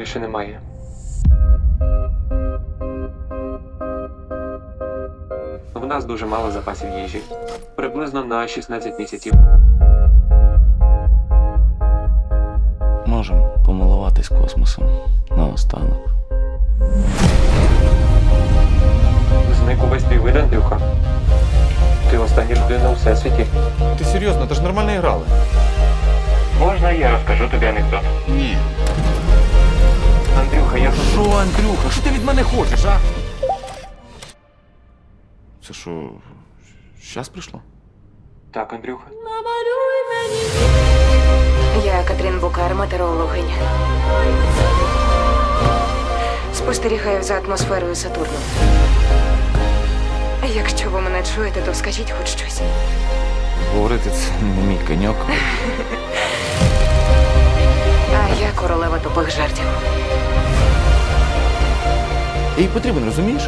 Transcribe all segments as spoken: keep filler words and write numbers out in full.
більше немає. В нас дуже мало запасів їжі. Приблизно на шістнадцять місяців. Можемо помилуватись космосом наостанок. Зник увесь твій вид, Андрюха. Ти остання людина у всесвіті. Ти серйозно, ти ж нормально грали. Можна я розкажу тобі анекдот? Ні. Андрюха, я тут. Що, Андрюха, що ти від мене хочеш, а? Це що, щас прийшло? Так, Андрюха. Я Катрін Букар, метеорологиня. Спостерігаю за атмосферою Сатурну. Якщо ви мене чуєте, то скажіть хоч щось. Говорити це не мій коньок. А я королева тупих жартів. Їй потрібен, розумієш?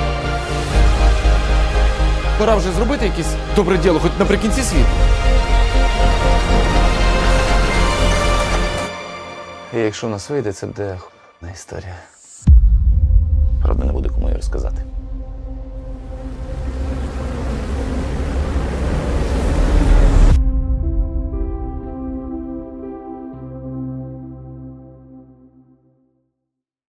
Пора вже зробити якесь добре діло, хоч наприкінці світу. І якщо у нас вийде, це буде х**на історія. Правда, не буде кому її розказати.